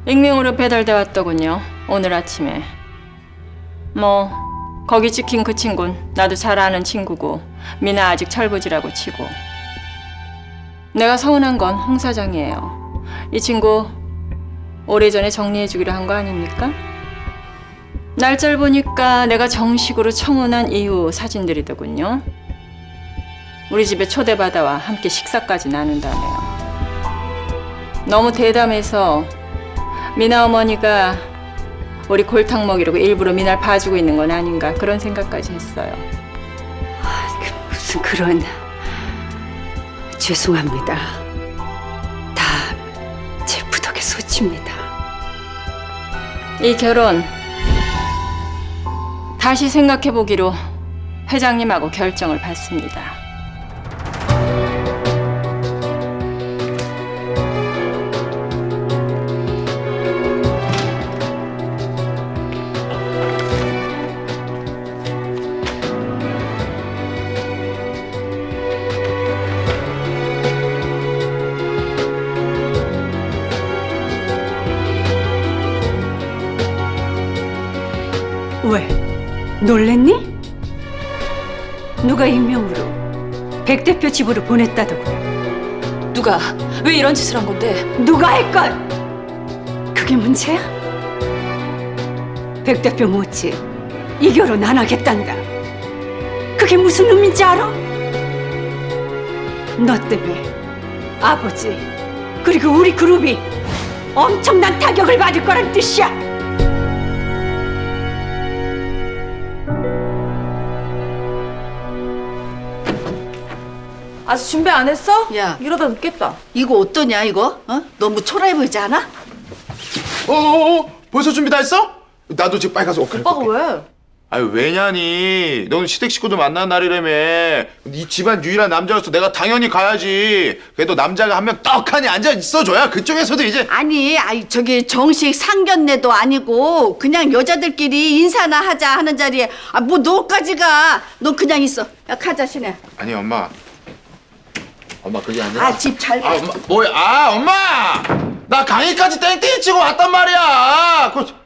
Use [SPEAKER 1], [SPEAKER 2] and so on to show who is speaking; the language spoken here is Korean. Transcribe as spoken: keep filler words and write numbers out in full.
[SPEAKER 1] 익명으로 배달돼 왔더군요. 오늘 아침에. 뭐 거기 찍힌 그 친구는 나도 잘 아는 친구고 미나 아직 철부지라고 치고. 내가 서운한 건 홍 사장이에요. 이 친구 오래전에 정리해주기로 한 거 아닙니까? 날짜를 보니까 내가 정식으로 청혼한 이후 사진들이더군요. 우리 집에 초대받아와 함께 식사까지 나눈다네요. 너무 대담해서 미나 어머니가 우리 골탕 먹이려고 일부러 미나를 봐주고 있는 건 아닌가 그런 생각까지 했어요.
[SPEAKER 2] 그 무슨 그런... 죄송합니다. 다 제 부덕의 소치입니다.
[SPEAKER 1] 이 결혼 다시 생각해보기로 회장님하고 결정을 받습니다.
[SPEAKER 2] 왜? 놀랬니? 누가 익명으로 백 대표 집으로 보냈다더구나.
[SPEAKER 3] 누가 왜 이런 짓을 한 건데?
[SPEAKER 2] 누가 했건 그게 문제야? 백 대표 못지 이 결혼 안 하겠단다. 그게 무슨 의미인지 알아? 너 때문에 아버지 그리고 우리 그룹이 엄청난 타격을 받을 거란 뜻이야.
[SPEAKER 3] 아직 준비 안 했어?
[SPEAKER 4] 야.
[SPEAKER 3] 이러다 늦겠다.
[SPEAKER 4] 이거 어떠냐 이거? 어? 너무 초라해 보이지 않아?
[SPEAKER 5] 어어어 벌써 준비 다 했어? 나도 지금 빨리 가서 옷 갈아입고
[SPEAKER 3] 오빠가
[SPEAKER 5] 올게.
[SPEAKER 3] 왜?
[SPEAKER 5] 아유 왜냐니 너는 시댁 식구들 만난 날이라며. 이 집안 유일한 남자로서 내가 당연히 가야지. 그래도 남자가 한 명 떡하니 앉아 있어줘야 그쪽에서도 이제.
[SPEAKER 4] 아니, 아이 저기 정식 상견례도 아니고 그냥 여자들끼리 인사나 하자 하는 자리에 아 뭐 너까지 가? 너 그냥 있어. 야 가자 신혜.
[SPEAKER 5] 아니 엄마 엄마 그게 아니라.
[SPEAKER 4] 아 집 잘 가.
[SPEAKER 5] 아 엄마 뭐야 아 엄마 나 강의까지 땡땡이 치고 왔단 말이야. 그